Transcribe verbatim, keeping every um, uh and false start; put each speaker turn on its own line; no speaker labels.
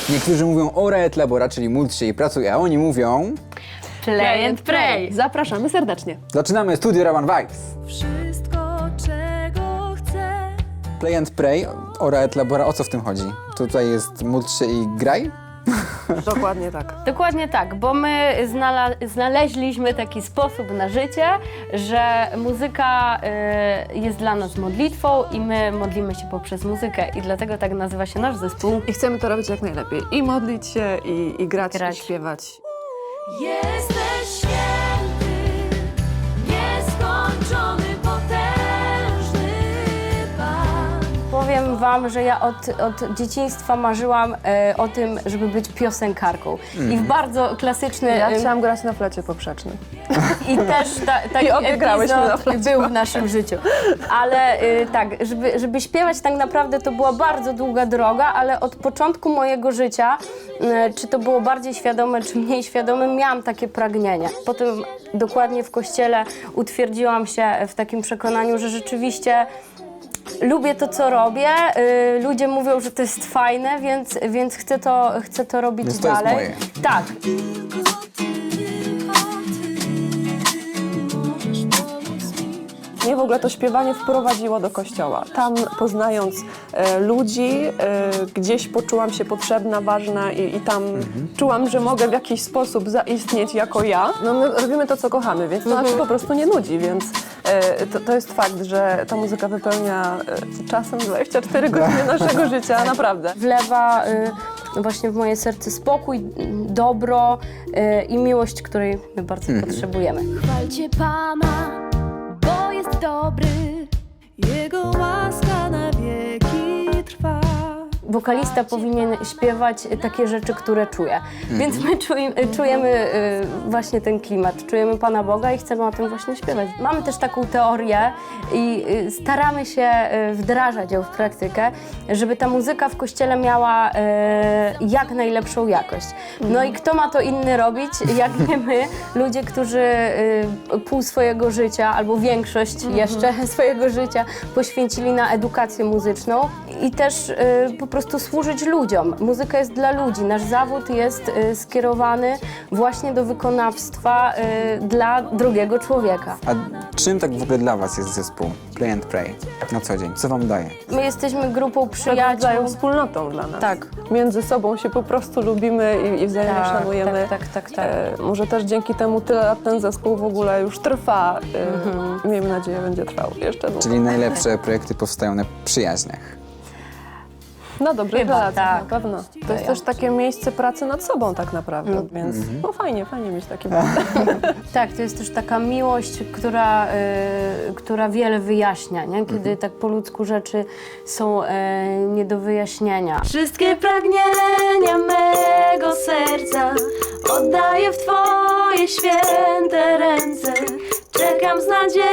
Niektórzy mówią ora et labora, czyli módl się i pracuj, a oni mówią...
Play and pray.
Zapraszamy serdecznie.
Zaczynamy Studio Raban Vibes.
Wszystko, czego chcę.
Play and pray, ora et labora, o co w tym chodzi? Tutaj jest módl się i graj?
Dokładnie tak.
Dokładnie tak, bo my znala znaleźliśmy taki sposób na życie, że muzyka y, jest dla nas modlitwą i my modlimy się poprzez muzykę i dlatego tak nazywa się nasz zespół.
I chcemy to robić jak najlepiej. I modlić się, i, i grać,
Grać.
i śpiewać.
Jesteś święty, nieskończony, potężny Pan.
Powiem wam, że ja od, od dzieciństwa marzyłam e, o tym, żeby być piosenkarką. I w bardzo klasyczny...
Ja
em,
chciałam grać na flecie poprzecznym.
I też ta, taki
I obie grałyśmy na
epizod
flecie.
był w naszym życiu. Ale y, tak, żeby, żeby śpiewać tak naprawdę to była bardzo długa droga, ale od początku mojego życia, y, czy to było bardziej świadome, czy mniej świadome, miałam takie pragnienie. Potem dokładnie w kościele utwierdziłam się w takim przekonaniu, że rzeczywiście lubię to, co robię. Y, ludzie mówią, że to jest fajne, więc, więc chcę, to, chcę to robić
Więc to jest
dalej.
moje.
Tak.
Tylko Ty, tylko Ty możesz pomóc mi.
Mnie w ogóle to śpiewanie wprowadziło do kościoła. Tam poznając e, ludzi, e, gdzieś poczułam się potrzebna, ważna i, i tam czułam, że mogę w jakiś sposób zaistnieć jako ja. No my robimy to, co kochamy, więc to nam się po prostu nie nudzi, więc e, to, to jest fakt, że ta muzyka wypełnia e, czasem dwadzieścia cztery godziny naszego życia, naprawdę.
Wlewa y, właśnie w moje serce spokój, y, dobro y, i miłość, której my bardzo potrzebujemy.
Chwalcie Pana, bo jest dobry, Jego łaska na wieki trwa.
Wokalista powinien śpiewać takie rzeczy, które czuje. Więc my czuj, czujemy y, właśnie ten klimat, czujemy Pana Boga i chcemy o tym właśnie śpiewać. Mamy też taką teorię i y, staramy się y, wdrażać ją w praktykę, żeby ta muzyka w kościele miała y, jak najlepszą jakość. No i kto ma to inny robić, jak nie my, ludzie, którzy y, pół swojego życia albo większość jeszcze swojego życia poświęcili na edukację muzyczną i też y, po prostu służyć ludziom. Muzyka jest dla ludzi. Nasz zawód jest y, skierowany właśnie do wykonawstwa y, dla drugiego człowieka.
A czym tak w ogóle dla was jest zespół Play and Pray na co dzień? Co wam daje?
My jesteśmy grupą
Przyjaciół.
przyjaciół.
Wspólnotą dla nas.
Tak.
Między sobą się po prostu lubimy i, i wzajemnie
Tak,
szanujemy.
tak, tak, tak, tak.
E, może też dzięki temu tyle lat ten zespół w ogóle już trwa. E, Miejmy nadzieję, będzie trwał jeszcze długo.
Czyli najlepsze projekty powstają na przyjaźniach.
Na dobrych
Chyba
relacjach,
tak.
na pewno. To jest
ja
też takie miejsce pracy nad sobą tak naprawdę, więc no fajnie, fajnie mieć takie
Tak, to jest też taka miłość, która, y, która wiele wyjaśnia, nie? Kiedy tak po ludzku rzeczy są y, nie do wyjaśnienia.
Wszystkie pragnienia mego serca oddaję w Twoje święte ręce. Czekam z nadzieją